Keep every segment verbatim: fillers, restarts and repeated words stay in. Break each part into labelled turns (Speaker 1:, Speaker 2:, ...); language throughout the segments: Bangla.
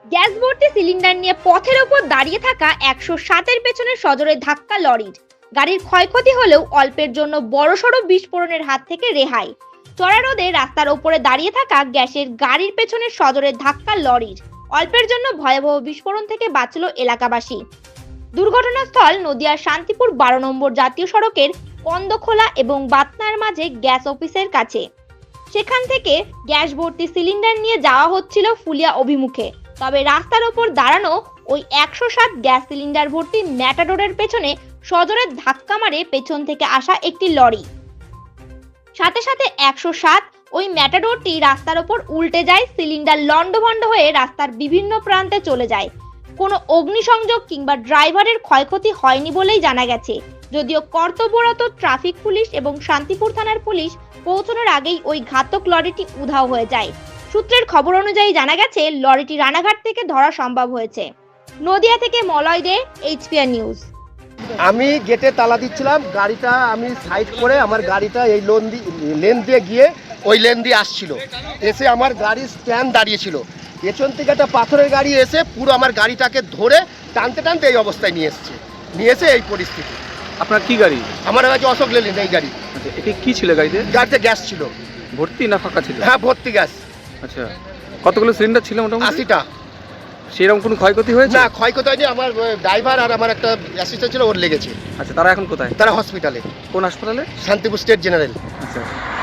Speaker 1: গ্যাস ভর্তি সিলিন্ডার নিয়ে পথের ওপর দাঁড়িয়ে থাকা একশো সাতের পেছনে সজোরে ধাক্কা লরির। গাড়ির ক্ষয়ক্ষতি হলেও অল্পের জন্য বড়সড় বিস্ফোরণের হাত থেকে রেহাই। চড়া রোদে রাস্তার ওপরে দাঁড়িয়ে থাকা গ্যাসের গাড়ির পেছনে সজোরে ধাক্কা লরির। অল্পের জন্য ভয়াবহ বিস্ফোরণ থেকে বাঁচল এলাকাবাসী। দুর্ঘটনাস্থল নদিয়ার শান্তিপুর বারো নম্বর জাতীয় সড়কের কন্দখোলা এবং বাতনার মাঝে গ্যাস অফিসের কাছে। সেখান থেকে গ্যাস ভর্তি সিলিন্ডার নিয়ে যাওয়া হচ্ছিল ফুলিয়া অভিমুখে। তবে রাস্তার ওপর দাঁড়ানো ওই একশো সাত গ্যাস সিলিন্ডার ভর্তি ম্যাটাডোরের পেছনে সজোরে ধাক্কা মারে পেছন থেকে আসা একটি লরি। সাথে সাথে একশো সাত ওই ম্যাটাডোরটি রাস্তার ওপর উল্টে যায়। সিলিন্ডার লন্ডভন্ড হয়ে রাস্তার বিভিন্ন প্রান্তে চলে যায়। কোনো অগ্নিসংযোগ কিংবা ড্রাইভারের ক্ষয়ক্ষতি হয়নি বলেই জানা গেছে। যদিও কর্তব্যরত ট্রাফিক পুলিশ এবং শান্তিপুর থানার পুলিশ পৌঁছানোর আগেই ওই ঘাতক লরিটি উধাও হয়ে যায়। সূত্রের খবর অনুযায়ী জানা গেছে লরিটি রানাঘাট থেকে ধরা সম্ভব হয়েছে। নদিয়া থেকে মলয় দে, এইচপিআর নিউজ।
Speaker 2: আমি গেটে তালা দিচ্ছিলাম, গাড়িটা আমি সাইড করে আমার গাড়িটা এই লোন দিয়ে লেন দিয়ে গিয়ে ওই লেন দিয়ে আসছিল। এসে আমার গাড়ির স্ট্যান্ড দাঁড়িয়েছিল। পেছন থেকে একটা পাথরের গাড়ি এসে পুরো আমার গাড়িটাকে ধরে টানতে টানতে এই অবস্থায় নিয়ে এসছে নিয়ে এসে এই পরিস্থিতি।
Speaker 3: আপনার কি গাড়ি?
Speaker 2: আমার কাছে অশোক লেলেন এই গাড়ি।
Speaker 3: আচ্ছা, এটা কি ছিল গাড়িতে?
Speaker 2: গাড়িতে গ্যাস ছিল।
Speaker 3: ভর্তি না ফাঁকা ছিল?
Speaker 2: হ্যাঁ, ভর্তি গ্যাস।
Speaker 3: আচ্ছা, কতগুলো সিলিন্ডার ছিল মোটামুটি?
Speaker 2: আশিটা।
Speaker 3: সেরকম কোনো ক্ষয়ক্ষতি হয়েছে?
Speaker 2: না, ক্ষয়ক্ষতি হয়নি। আমার ড্রাইভার আর আমার একটা অ্যাসিস্ট্যান্ট ছিল, ওর লেগেছে।
Speaker 3: আচ্ছা, তারা এখন কোথায়?
Speaker 2: তারা হসপিটালে।
Speaker 3: কোন হাসপাতালে?
Speaker 2: Shantipur state general.
Speaker 3: আচ্ছা,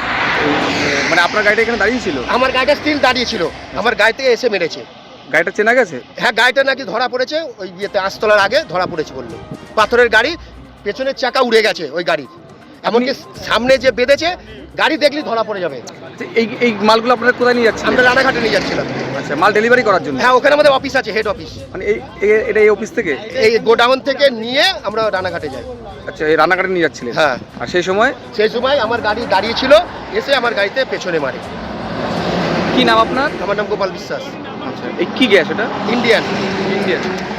Speaker 3: মানে আপনার গাড়িটা এখানে দাঁড়িয়ে ছিল?
Speaker 2: আমার গাড়িটা স্টিল দাঁড়িয়ে ছিল। আমার গাড়ি থেকে এসে মেরেছে।
Speaker 3: গাড়িটা চেনা গেছে?
Speaker 2: হ্যাঁ, গাড়িটা নাকি ধরা পড়েছে ওই ইয়েতে আস্তলার আগে ধরা পড়েছে বললো। পাথরের গাড়ি, পেছনের চাকা উড়ে গেছে ওই গাড়ির। এমনকি সামনে যে বেঁধেছে গাড়ি দেখলে ধরা পড়ে যাবে।
Speaker 3: এই এই মালগুলো আপনারা কোথায় নিয়ে যাচ্ছেন?
Speaker 2: আমরা রানাঘাটে নিয়ে যাচ্ছিলাম।
Speaker 3: আচ্ছা, মাল ডেলিভারি করার জন্য?
Speaker 2: হ্যাঁ, ওখানে আমাদের অফিস আছে, হেড অফিস।
Speaker 3: মানে এই এটা এই অফিস থেকে
Speaker 2: এই গোডাউন থেকে নিয়ে আমরা রানাঘাটে যাই।
Speaker 3: আচ্ছা, এই রান্নাঘাটে নিয়ে যাচ্ছিলেন?
Speaker 2: হ্যাঁ।
Speaker 3: আর সেই সময়?
Speaker 2: সেই সময় আমার গাড়ি দাঁড়িয়ে ছিল, এসে আমার গাড়িতে পেছনে মারে।
Speaker 3: কি নাম আপনার?
Speaker 2: আমার নাম গোপাল বিশ্বাস।
Speaker 3: আচ্ছা, এই কি গ্যাস এটা?
Speaker 2: ইন্ডিয়ান।
Speaker 3: ইন্ডিয়ান।